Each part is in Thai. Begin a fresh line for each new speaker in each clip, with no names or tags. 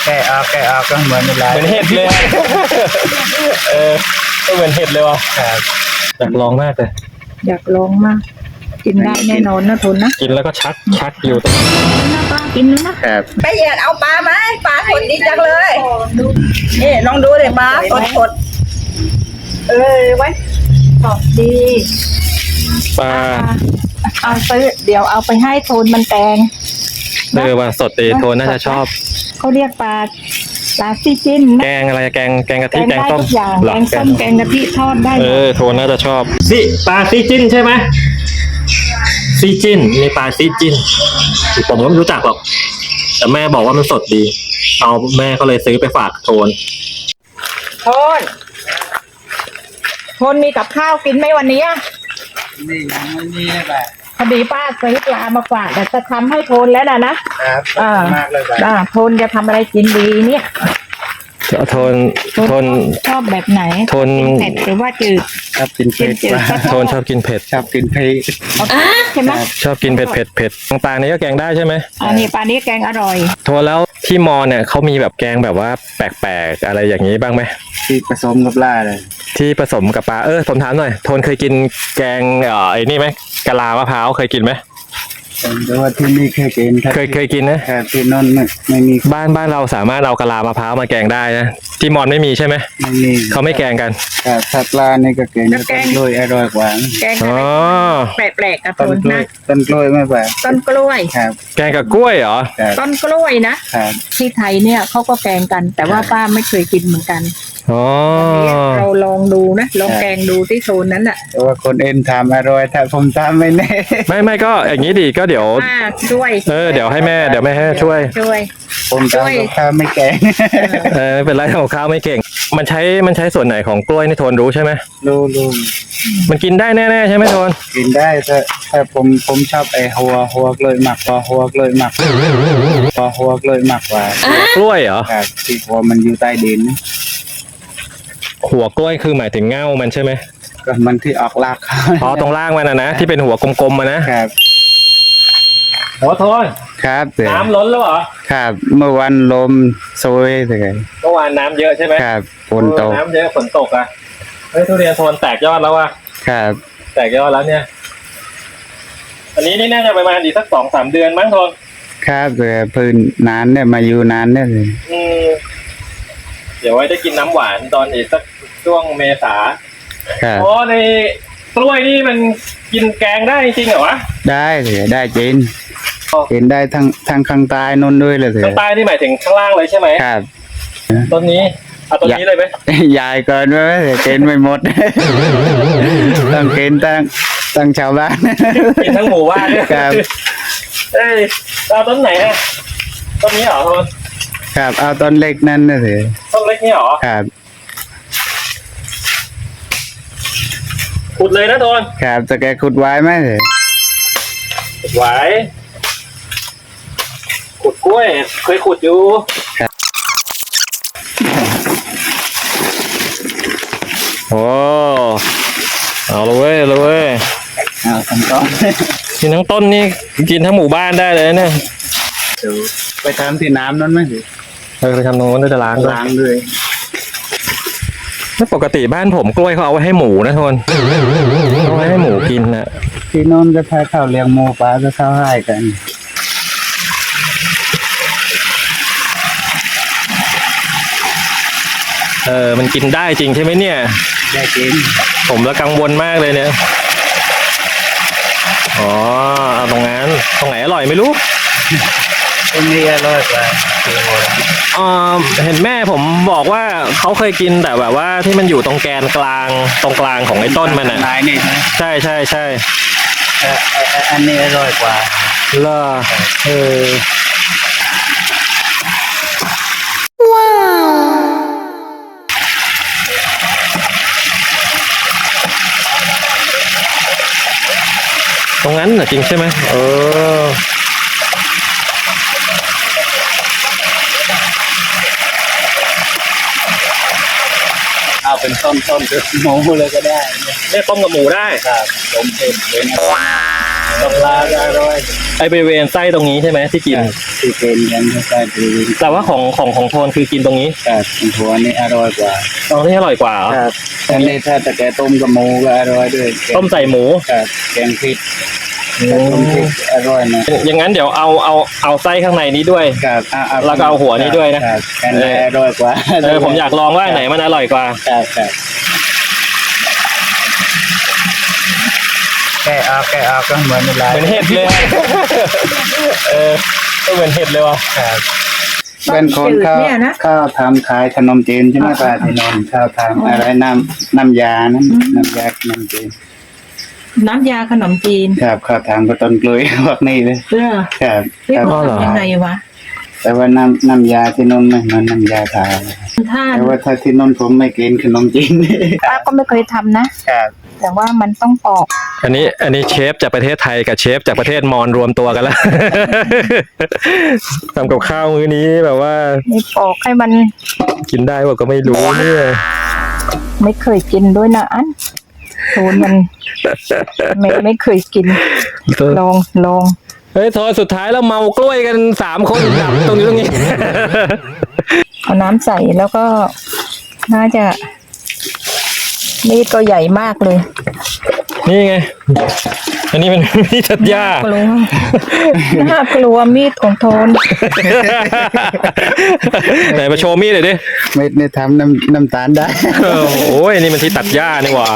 แกะออกก็เหมือนอะไร
เหมือนเห็ดเลยก็เหมือนเห็ดเลยว่ะอยากลองมากเลย
อยากลองมากกินได้แน่นอนนะทนนะ
กินแล้วก็ชักอยู่ตรง
นะป้ากินนะครับ
ไปเหยียดเอาปลาไหมปลาสดดีจังเลยนี่ลองดูเลยปลาสดไว้
สดดี
ปลา
เอาซื้อเดี๋ยวเอาไปให้โทนมันแกง
ว่าสดดีโทนน่าจะชอบ
เขาเรียกปลาซีจิ้น
แกงอะไรแกงกะทิแกงต้ม
แกงส้มแกงกะทิทอดได้
โทนน่าจะชอบปลาซีจิ้นใช่ไหมซีจิ้นมีปลาซีจิ้นผมก็ไม่รู้จักหรอกแต่แม่บอกว่ามันสดดีเอาแม่ก็เลยซื้อไปฝากโทน
มีกับข้าวกินไหมวันนี้
นี่ยังไม่มีแบบ
พอดีป้าซื้อปลามาฝากแต่จะทำให้โทนแล้วนะครับ
มากเลยแบบ
โทนจะทำอะไรกินดีเนี่ย
โทน
ชอบแบบไหน
โทน
เผ็ดหรือว่าจืด
ชอบกินเผ็ด
โทนชอบกินเผ็ด
ใช่
ไหม
ชอบกินเผ็ดปลานี้ก็แกงได้ใช่ไหม
อันนี้ปลานี้แกงอร่อย
โทนแล้วที่มอเนี่ยเขามีแบบแกงแบบว่าแปลกๆอะไรอย่างนี้บ้างไหม
ที่ผสมกับปลาเลย
ที่ผสมกับปลาผมถามหน่อยโทนเคยกินแกงไอ้นี่ไหมกะลามะพร้าวเคยกินไหม
แต่ว่าที่นี่เคย
กินนะ
ที่นนไม่มี
บ้านเราสามารถเอากะลามะพร้าวมาแกงได้นะที่มอนไม่มีใช่ไหม
ไม่มี
เขาไม่แกงกัน
ถ้าปลานี่ก็แกงต้นกล้วยอร่อยกว่า
แกงแปลกๆกับ
ต้นกล้วยไม่แปลก
ต้นกล้วย
แกงกับกล้วยเหรอ
ต้นกล้วยนะที่ไทยเนี่ยเขาก็แกงกันแต่ว่าป้าไม่เคยกินเหมือนกันเราลองดูนะลองแกงดูที่โซนนั้นอ่ะ
แต่ว่าคนเอ็นทำอร่อยถ้าผมทำไม่แน่
ไม่ก็อย่างนี้ดีก็เดี๋ยว
ช่วย
เดี๋ยวให้แม่ช่วย
ผมทำข้าวไม่แกง
ไม่เป็นไรทำข้าวไม่เก่งมันใช้ส่วนไหนของกล้วยนี่โทนรู้ใช่ไหม
รู้
มันกินได้แน่ๆใช่ไหมโทน
กินได้แต่ผมชอบไอ้หัวกล้วยหมักหัวกล้วยหมักกว่าก
ล้วยเหรอ
ครับที่หัวมันอยู่ใต้ดิน
หัวกล้วยคือหมายถึงเง่ามันใช่ไหม
ก็มันที่ออกราก
ตรงล่างมันนะที่เป็นหัวกลมๆนะครับโอ้โทน
ครับ
น้ำล้นแล้วเหรอ
ครับเมื่อวันลมโซยเลย
เมื่อวานน้ำเยอะใช่ไหม
ครับฝนตก
น้ำเยอะฝนตกอ่ะทุเรียนโทนแตกยอดแล้วว่ะ
ครับ
แตกยอดแล้วเนี่ยอันนี้นี่น่าจะประมาณอีกสัก2-3 เดือนมั้งโทน
ครับพื้นนานเนี่ยมาอยู่นานเนี่ยเลย
เดี๋ยวไว้ได้กินน้ำหวานตอนอีกสักช่วงเมษาในกล้วยนี่มันกินแกงได้จริงเหรอวะ
ได้เลยได้จริงเห็นได้ทางข้างใต้นนด้วยเลย
ข้างใต้นี่หมายถึงข้างล่างเลยใช่ไหม
ครับ
ต้นนี้เอาต้นนี้เลยไหม
ใหญ่เกินไปเกินไม่หมดต้องเกินตั้งชาวบ้าน
กินทั้งหมู่บ้านเนี่ย
ครับ
เอาต้นไหนฮะต้นนี้เหรอทุน
ครับเอาต้นเล็กนั่นนะสิ
ต้นเล็กนี่เหรอ
ครับ
ขุดเลยนะโทน
ครับจะแกขุดไว้ไหมเลย
ขุดไว้ขุดกล้วยเคยขุดอยู่โอ้เอาเลย
เอาทั้งต้น
กินทั้งต้นนี่กินทั้งหมู่บ้านได้เลยเนี่ย
ไปทำที่น้ำนั่นไหม
ไปทำตรงนู้นด้วยจะล้าง
ด้วย
ไม่ปกติบ้านผมกล้วยเขาเอาไว้ให้หมูนะทนเอาไว้ให้หมูกินนะ
ที่โน่นจะพาเข้าเลี้ยงหมูปลาจะเข้าให้กัน
มันกินได้จริงใช่ไหมเนี่ย
ได้จริง
ผมละกังวลมากเลยเนี่ยเอาตรงนั้นตรงไหนอร่อยไม่รู้
ตรงนี้อร่อยกว่า
เห็นแม่ผมบอกว่าเขาเคยกินแต่แบบว่าที่มันอยู่ตรงแกนกลางตรงกลางของไอ้ต้นมันอ่ะ
นี่
ใช่
อันนี้อร่อยกว่า
ล่ะ
ว้าว
ตรงนั้นน่ะจริงใช่ไหม
เอาเป็นต้นหมูเลยก็ได้
เนี่ยต้มกับหมูได้
ครับต้มเผ็ดเป็นกับปลาก็อร่อย
ไอบริเวณไส้ตรงนี้ใช่ไหมที่กิน
ที่เป็นกันก็ใช่ดี
แต่ว่าของโทนคือกินตรงนี้
ครับหัวนี่อร่อยกว่า
ตรงนี้อร่อยกว่าเหรอ
ครับอันนี้ถ้าแต่แกต้มกับหมูก็อร่อยด้วย
ต้มใส่หมู
ครับแกงพริกต้มพริกอร่อยนะ
อย่างนั้นเดี๋ยวเอาไส้ข้างในนี้ด้วย
ครับ
แล้วก็เอาหัวนี่ด้วยนะครับ
อันนี้อร่อยกว่า
ผมอยากลองว่าไหนมันอร่อยกว่า
ครับแกะออกก็เหมือนอะไร
เหมือนเห็ดเลย ก็เหมือนเห็ดเลยว่ะ
เป็นคนข้าว
เนี่ยนะ
ข้าวทำขายขนมจีนใช่ไหมป้าที่นนท์ข้าวทำอะไรน้ำยานั้นน้ำยาขนมจีน
น้ำยาขนมจีน
ครับข้าวทำก็ต้นกล้วย พวกนี้เลย
เออ
ครับ
พี่
ครับ
บอกยังไงวะ
แต่ว่าน้ำยาที่นนท์ไม่เหมือนน้ำยาทา
ถ้า
แต่ว่าถ้าที่นนท์ผมไม่กินขนมจีน
ป้าก็ไม่เคยทำนะ
ครับ
แต่ว่ามันต้องปอก
อันนี้เชฟจากประเทศไทยกับเชฟจากประเทศมอญรวมตัวกันแล้ว ทำกับข้าวมื้อนี้แบบว่า
ไม่ปอกให้มัน
กินได้ว่าก็ไม่รู้เนี่ย
ไม่เคยกินด้วยนะอันโทนมันไม่เคยกิน ลอง
เฮ้ยโทษสุดท้ายแล้วเมากล้วยกัน3 คนดับตรงนี้
เอาน้ำใส่แล้วก็น่าจะมีดก็ใหญ่มากเลย
นี่ไง อันนี้เป็นมีดตัดหญ้า
น่ากลัวมีดของโทน
ไหนมาโชว์มีดหน่อยดิ
ไม่ได้ทำน้ำตาลได้
โอ้ยนี่มันที่ตัดหญ้านี่หว่า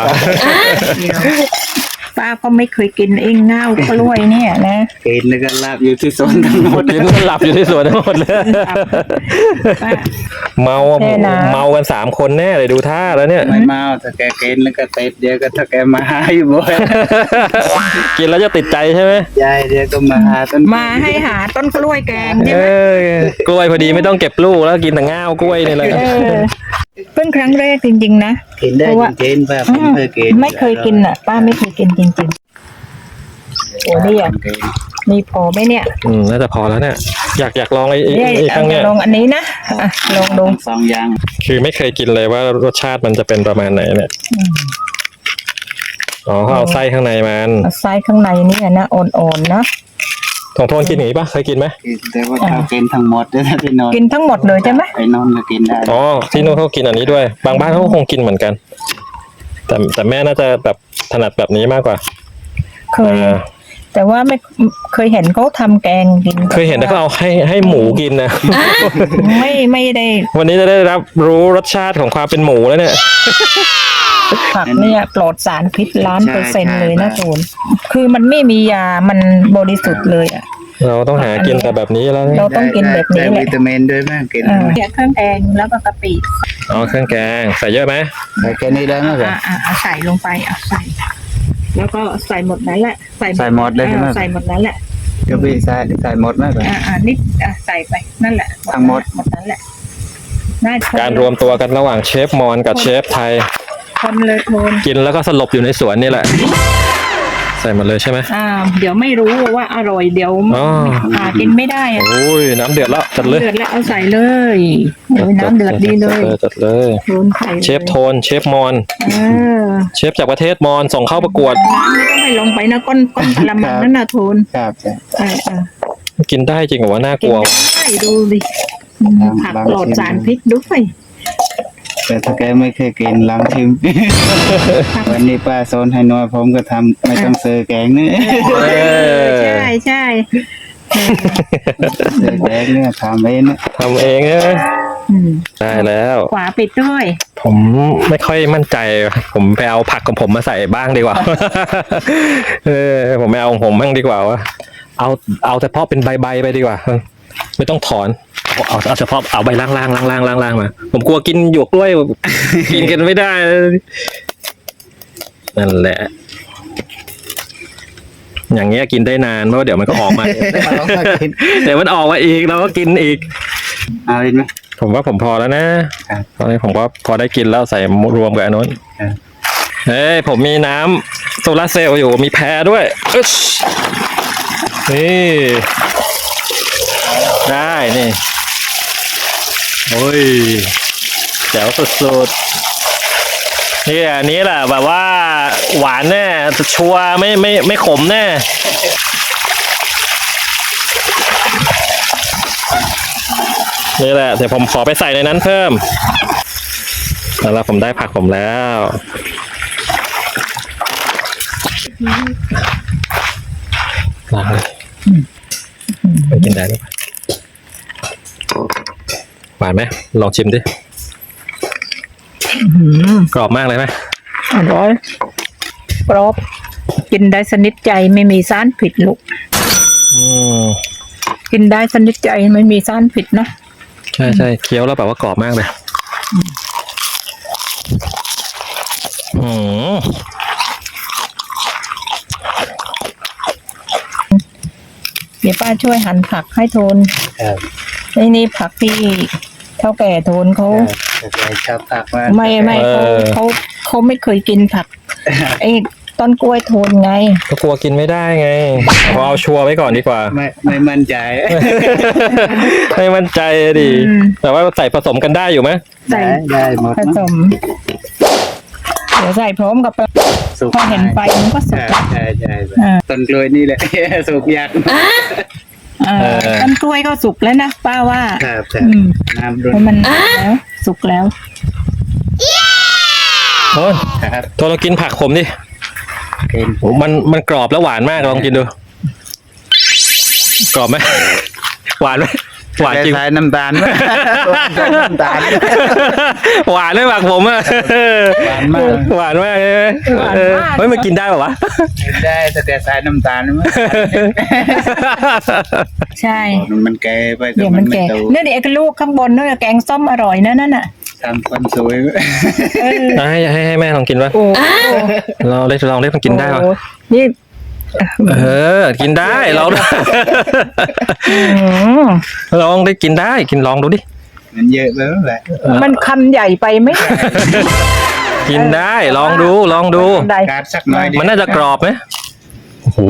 ป้าก็ไม่เคยกินเองเง่ากล้วยเนี่ยนะ
กินแล้วก็ลาบอยู่ที่สวนทั้งหมด
กินหลับอยู่ที่สวนทั้งหมดเลย
ป้า
เมากัน3 คนแน่เลยดูท่าแล้วเนี่ย
ไม่เมาถ้าแกกินแล้วก็ติดเดี๋ยวก็ถ้าแกมาหาอยู่บ่อย
กินแล้วจะติดใจใช่ไหม
ยายเดี๋ยวก็มาหาต้น
มาให้หาต้นกล้วยแกงใช่
เอ
ไหม
อกล้วยพอดีไม่ต้องเก็บลูกแล้วกินแต่ง่าวกล้วยนี่แหละ
เพิ่งครั้งแรกจริงๆนะ
กินได้จริงๆป้าผมเคยกิน
ไม่เคยกินอ่ะ ป้าไม่เคยกินจริงๆโอ้นี่อ่ะมีพอไหมเนี่ย
น่าจะพอแล้วเนี่ย อยากลองไอ้
เนี่ย
ครั้งเนี้ย
ลองอันนี้นะอ่ะลองดู
สองอย่าง
คือไม่เคยกินเลยว่ารสชาติมันจะเป็นประมาณไหนเนี่ยอ๋อเขาเอาไส้ข้างในมัน
เอาไส้ข้างในเนี่ยนะอ่อนๆนะ
ของโทนกินอย่างนี้ปะเคยกินไหม
แต่ว่าเขากินทั้งหมดเลยนะที่นอน
กินทั้งหมดเลยใช่ไหม
ไปนอนก็กินได้
อ๋อที่นู้นเขากินอันนี้ด้วย บางบ้านเขาก็คงกินเหมือนกัน แต่แม่น่าจะแบบถนัดแบบนี้มากกว่า
เคย แต่ว่าไม่เคยเห็นเขาทำแกงกิน
เคยเห็นแต่เขาเอาให้หมูกินนะ
ไม่ได้
วันนี้จะได้รับรู้รสชาติของความเป็นหมูแล้วเนี่ย
ผักเนี่ยปลอดสารพิษ1,000%เลยนะโจนคือมันไม่มียามันบริสุทธิ์เลยอ่ะ
เราต้องหากินแต่แบบนี้แล้วเนี่ย
เราต้องกินแบบนี้
ได้
แหละ
วิตามินด้วยมั้งกิน
เนี่ยเครื่องแกงแล้วก็กะปิ
อ๋อเครื่องแกงใส่เยอะไหม
ใส่แค่นี้ได้ไหมครับ
เอาใส่ลงไปเอาใส่ แล้วก็ใส่หมดนั้นแหละ
ใส่หมดเลยใช่ไหม
ใส่หมดนั้นแหละ
ก็พี่ใส่หมดไหมครับ
นิดใส่ไปนั่นแหละ
ทั้งหมด
หมดนั้นแหละน่า
การรวมตัวกันระหว่างเชฟมอญกับเชฟไทย
คนเลยโทน
กินแล้วก็สลบอยู่ในสวนนี่แหละ ใส่หมดเลยใช่ไหม
เดี๋ยวไม่รู้ว่าอร่อยเดี๋ยว
อ๋อ
กินไม่ได้อะ
โอ้ยน้ำเดือดแล้วจัดเลย
เดือดแล้วเอาใส่เลยเดี๋ยวน้ำเดือดดีเลย
จัดเลย
โทนใส่ลย
เชฟโทนเชฟมอญ
เออ
เชฟจากประเทศมอญส่งเข้าประกวด
น้ำไม่ต้องให้ลงไปนะก้นกระมังนั่นนะโทน
ครับ
กินได้จริงเหรอวะน่ากลัว
ใช่ดูดิผักปลอดสารพิษด้วย
แต่ถ้าแกไม่เคยกินลองชิม วันนี้ป้าโซนให้น้อยผมก็ทำไม่ต้องซื้อแกงนี่
ใช่ใช่
ซื้อแกงเนี่ยทำเองนะ
ทำเองนะได้แล้ว
ขวาปิดด้วย
ผมไม่ค่อยมั่นใจ ผมไปเอาผักของผมมาใส่บ้างดีกว่า ผมไม่เอาของผมบ้างดีกว่าวะเอาเฉพาะเป็นใบไปดีกว่า ไม่ต้องถอนเอาเฉพาะเอาใบล่างมาผมกลัวกินหยวกกล้วย กินกันไม่ได้นั่นแหละ อย่างเงี้ยกินได้นานเพราะว่าเดี๋ยวมันก็ออกมา เดี๋ยวมันออกมาอีกเราก็กินอีก
เอาอีกไหม
ผมว่าผมพอแล้วนะครับ ตอนนี้ผมก็พอได้กินแล้วใส่รวมกับอันนู้น
ครับ
เฮ้ยผมมีน้ำโซลาร์เซลล์อยู่มีแพรด้วยอึ๊ชนี่ได้นี่โอ้ยแจ๋วสุดนี่อันนี้แหละแบบว่าหวานแน่ชัวร์ไม่ขมแน่นี่แหละเดี๋ยวผมขอไปใส่ในนั้นเพิ่มแล้วผมได้ผักผมแล้วล้างเลยไปกินได้หรือเปล่าหวานไหมลองชิมดิกรอบมากเลยไหม
อร่อยกรอบกินได้สนิทใจไม่มีสารผิดลูกกินได้สนิทใจไม่มีสารผิดนะ
ใช่ใช่เคี้ยวแล้วแบบว่ากรอบมากเลย
เดี๋ยวป้าช่วยหั่นผักให้โทนนี่ผักที่เท่าแก่โทนเขา
ชอบผักมาก
ไม่เขาไม่เคยกินผักไอ้ต้นกล้วยโทนไง
ก็กลัวกินไม่ได้ไงพอเอาชัวร์ไว้ก่อนดีกว่า
ไม่มั่นใจ
ไม่มั่นใจดิแต่ว่าใส่ผสมกันได้อยู่ไหม
ได้หมด
ผสมเดี๋ยวใส่พร้อมกับพอเห็นไฟมันก็สุก
ใช่ต้นกล้วยนี่แหละสุกยาก
ต้นกล้วยก็สุกแล้วนะป้าว่า
น้ำร้
อนมันแล้วสุกแล้ว
โอ้ยตัวเรากินผักขมดิมันกรอบแล้วหวานมากลองกินดูกรอบไหมหวานไหมหวานจริง
น้ำตาลน้ำตาล
หวานด้วยผักผมอ่ะหวานมากหวานมากเลยเฮ้ยมันกินได้ป่าวะ
ได้แต่ใส่น้ำตาล
ใช่
มันแก่ไป
เดี๋ยวมันแก่เนี่ยเด็กลูกข้างบนนั่นแกงส้มอร่อยนั่นน่ะ
ทำคนสวย
ให้แม่ลองกินวะเราได้ลองได้มันกินได้ป่ะ
นี่
กินได้ลองลองได้กินได้กินลองดูดิ
มันเยอะไปแล้วแหละ
มันคำใหญ่ไปไหม
กินได้ลองดู
การสักหน่อย
มันน่าจะกรอบไหมโอ้โห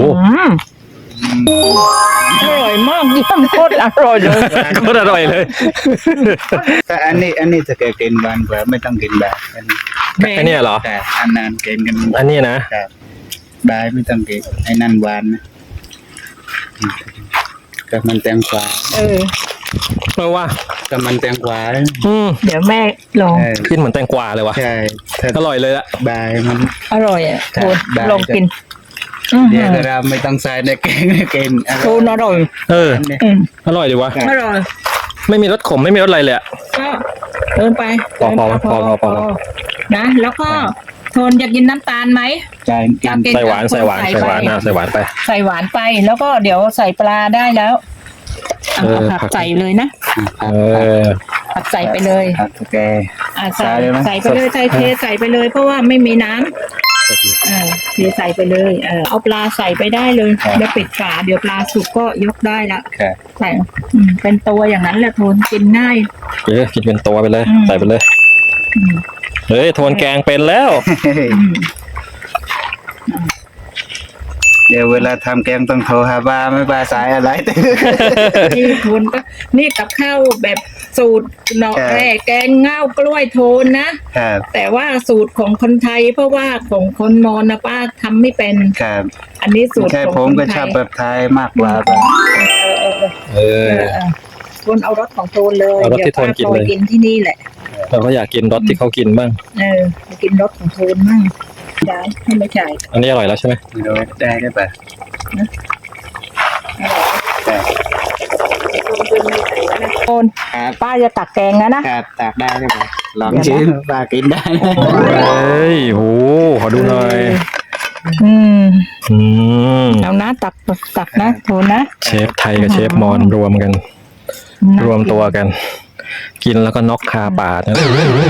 อร่อยมากเยี่ยมโคตรอร่อยเลย
โคตรอร่อยเลย
แต่อันนี้จะกินหวานกว่าไม่ต้องกินแบบ
อันนี้เหรอ
แต่อันนั้นกินกัน
อันนี้นะ
ได้ไม่ต้องกินไอ้นั่นหวานนะกับมันแตงกวา
ว่า
กับมันแตงกวา
เดี๋ยวแม่ลอง
กินเหมือนแตงกวาเลยวะ
ใช่
อร่อยเลยละ
ได้มัน
อร่อยอ่ะโทนลองกิน
เดี๋ยวเราไม่ต้องใส่ในแกงกิน
โทนอร่อย
อร่อยดีวะ
อร่อย
ไม่มีรสขมไม่มีรสอะไรเลย
ก็เดินไป
พอ
นะแล้วก็โทนอยากกินน้ำตาลไหม
ใส่หวานใส่หวานไปใส่หวาน
ไปแล้วก็เดี๋ยวใส่ปลาได้แล้วผักใส่เลยนะผักใส่ไปเลย
โอเค
ใส่ไปเลยใส่ไปเลยเพราะว่าไม่มีน้ำเทใส่ไปเลยเอาปลาใส่ไปได้เลยแล้วปิดฝาเดี๋ยวปลาสุกก็ยกได้ละใส่เป็นตัวอย่างนั้นแหละโทนกินง่าย
กินเป็นตัวไปเลยใส่ไปเลยเฮ้ยโทนแกงเป็นแล้ว
เดี๋ยวเวลาทำแกงต้องโทรหาบ้าไม่บ้าสายอะไร
นี่โทนก็นี่กับข้าวแบบสูตรเนาะแกงเง่ากล้วยโทนนะแต่ว่าสูตรของคนไทยเพราะว่าของคนมอญนะป้าทำไม่เป็นอันนี้สูตร
ของผมก็ชอบแบบไทยมากกว่า
โทนเอารสของโทนเลย
เดี๋ยวป้า
โทนกินที่นี่แหละ
เราก็อยากกินรสที่เขากินบ้าง
กินรสของโทนบ้างได้ให้ไม่จ่าย
อันนี้อร่อยแล้วใช่ไหม
ได้ป่ะ
โทนป้าจะตักแกงนะ
ตักได้ไหมลองชิมป้ากินได้
เฮ้ยโหขอดูหน่อย
เอานะตักนะโทนนะ
เชฟไทยกับเชฟมอญรวมตัวกันกินแล้วก็น็อกคาปากนะ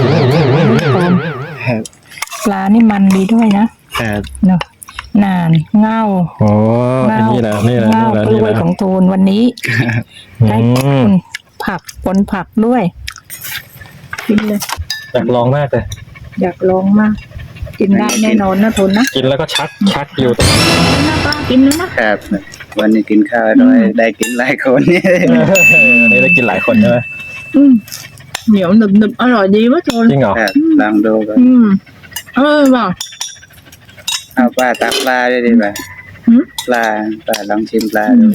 ปลานี่มันดีด้วยนะเนาะนานเง่า
นี่แหละ
กล้วยของโทนวันนี้ได้ผักผลผักด้วยกินเลย
อยากลองมากเลย
อยากลองมากกินได้แน่นอนนะโทนนะ
กินแล้วก็ชักอยู่
นะป้ากินแล้วนะครับ
วันนี้กินข้าวด้วยได้กินหลายคนนี่
ได้กินหลายคนใช่ไหม
เหนียวหนึบอร่อยดีวะโทน
จริงเหรอ
ลองดูกัน
ว่ะ
เอาป้าตักปลาได้ดีป่ะ
หืม
ปลาลองชิมปลาดู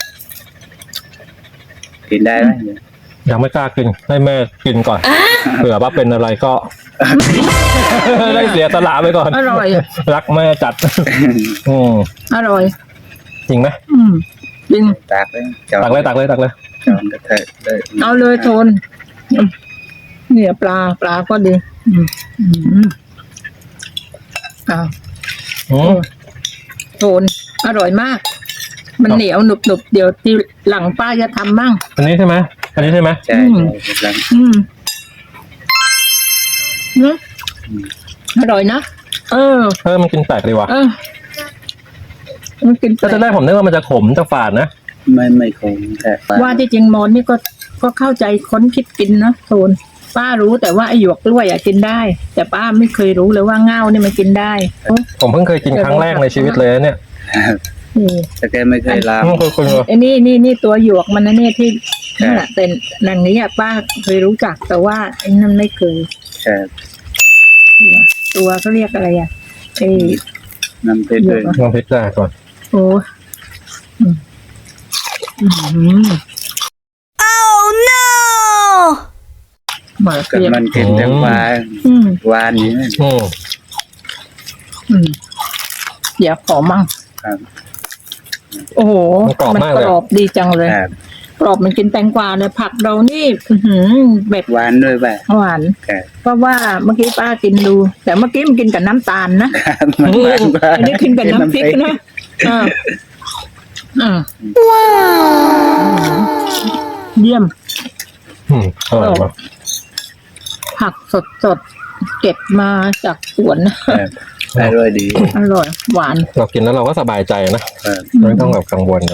กินได้ไหม
ยังไม่กล้ากินให้แม่กินก่อนเผื่อว่าเป็นอะไรก็ ได้เสียสละไปก่อน
อร่อย
รักแม่จัด อืม
อร่อย
จริงไหม
จริง
ตักเลย
ตักเลยตักเลยตักเลย
จอนกระเทยเลย
เอาเลยโทนเนี่ยปลาก็ดีอ้าว
อืม
โทนอร่อยมาก มันเหนียวหนุบเดี๋ยวทีหลังป้าจะทำมั่ง
อันนี้ใช่ไหมอันนี้ใช่ไหม
ใช่
อืม
ใช่
เนอะอร่อยนะ
มันกินแปลกดีว่ะ
มันกินแปล
ตอนแรกผมนึกว่ามันจะขมจะฝาดนะ
ไม่คงแต่ปลา
ว่าที่จริงมอนนี่ก็เข้าใจค้นคิดกินนะโทนป้ารู้แต่ว่าไอหยวกกล้วยกินได้ แต่ป้าไม่เคยรู้เลยว่าเง่านี่มันกินได้
ผมเพิ่งเคยกินครั้งแรกในชีวิตเลยนะเนี่ย
นี่
แต่แกไม่เคยล้าง
คุณ
ไอ้นี่ตัวหยวกมันนะเนี่ยที่
ครับ
นั่นแหละแต่นังนี้ป้าเคยรู้จักแต่ว่าไอ้นั่นไม่เคย
ครับ
ตัวเขาเรียกอะไรไอ้
น้ำเพชรด้วย
ลองพริกได้ก่อน
โอ้หมา
กับ
เรียก
มันกินแต่ปลาหวานนี่นะ
เดี๋ยวขอมั่ง
ครับ
โอ้โห
มันกรอบมากเลย
กรอบดีจังเลย
ครับ
กรอบมันกินแตงกวาเลยผักเรานี่แบบ
หวานด้วยป่ะ
หวาน
ครับ
เพราะว่าเมื่อกี้ป้ากินดู แต่เมื่อกี้มันกินกับน้ำตาลนะ
มันหวานกว่า
อันนี้กินกับน้ำพริกนะว้าวเยี่ยม
อร่อยมาก
ผักสดเก็บมาจากสวน
ครับอร่อยดี
อร่อย หวาน
เรากินแล้วเราก็สบายใจนะครับ ไม่ต้องแบบกังวลนะ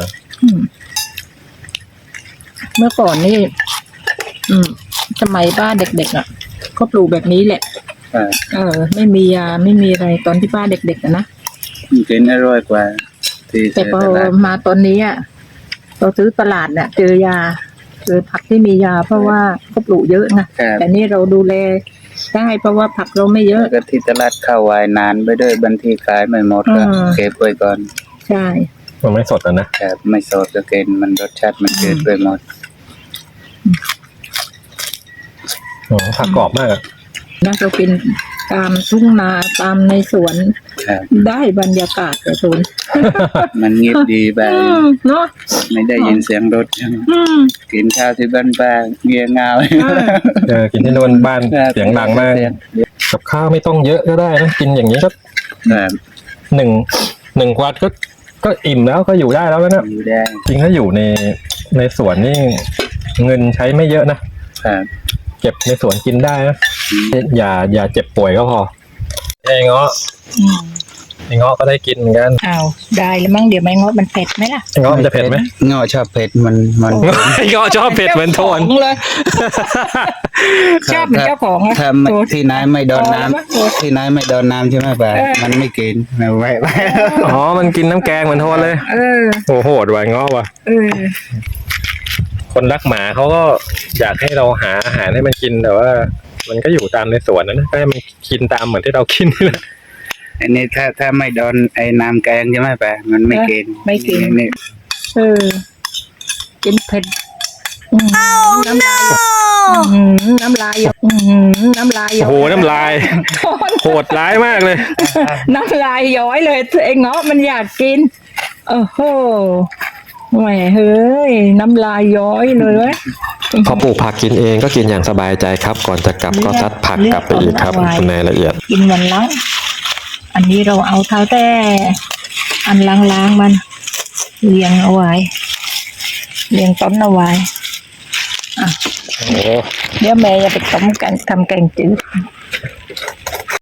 เมื่อก่อนนี่สมัยป้าเด็กๆก็ปลูกแบบนี้แหละ
ครับ
ไม่มียาไม่มีอะไรตอนที่ป้าเด็กๆนะ
กินอร่อยกว่าที่
แต่พอ
ตลาด
มาตอนนี้เราซื้อตลาดเนี่ยเจอยาเจอผักที่มียา เพราะว่าเขาปลูกเยอะนะ
ครับ
แต่นี่เราดูแลได้เพราะว่าผักเราไม่เยอะ
แล้วก็ที่ตลาดข้าววายนานไปด้วยบางทีขายไม่หมดก็เก็บไว้ก่อน
ใช่
มันไม่สดนะครับ
ไม่สดก็กินมันรสชาติมันเกิดไปหมด
ผักกรอบมากอะ
นะเรากินตามทุ่งนาตามในสวน
ครับ
ได้บรรยากาศแต่สวน
มันเงียบดีแบบ
เนาะ
ไม่ได้ยินเสียงรถกินข้าวที่บ้านป้าเงียบเงา
กินที่โน่นบ้านเสียงดังมากกับข้าวไม่ต้องเยอะก็ได้นะกินอย่างนี้ก็
ครับ
หนึ่งวันก็อิ่มแล้วก็อยู่ได้แล้วนะ
อยู่ได้
จริงถ้าอยู่ในสวนนี่เงินใช้ไม่เยอะนะครับ เก็บในสวนกินได้นะอย่าเจ็บป่วยก็พอไอ้เงาะก็ได้กินเหมือนกัน
อ้าวได้แล้วมั้งเดี๋ยวไม่งดมันเผ็ดไหมล่ะ
ไอ้เงาะมันจะเผ็ดไหม
เงาะชอบเผ็ดมัน
ไอ้เงาะชอบเผ็ดเหมือนโทน
เลย ชอบเหมือนเจ้าของอะ
ถ้าที่ไหนไม่โดนน้ำที่ไหนไม่โดนน้ำใช่ไหมป้ามันไม่กินไม่ไหว
อ๋อมันกินน้ำแกงเหมือนโทนเลยโอ้โหดว่ะเงาะว่ะคนรักหมาเขาก็อยากให้เราหาอาหารให้มันกินแต่ว่า มันก็อยู่ตามในสวนนะก็ให้มันกินตามเหมือนที่เรากินนี่แหละ
อันนี้ถ้าไม่โดนไอ้น้ำแกงใช่ไหมป้ามันไม่กิน
ไม่กิน
นี่
กินเผ็ดน้ำลายน้ำลายน้ำลาย
โอ้โหน้ำลายโหดร้ายมากเลย
น้ำลายย้อยเลยไอ้เงาะมันอยากกินโอ้โหแหมเฮ้ยน้ำลายย้อยเลยเว้ย
พอปลูกผักกินเองก็กินอย่างสบายใจครับ ก่อนจะกลับก็ซัดผักกลับไปอีกครับในละเอียด
กินวันละอันนี้เราเอาเท้าแต่อันล้างๆมันเรียงเอาไว้เรียงต้นเอาไว้
โอ้
เดี๋ยวแม่จะไปต้มกันทำแกงจืด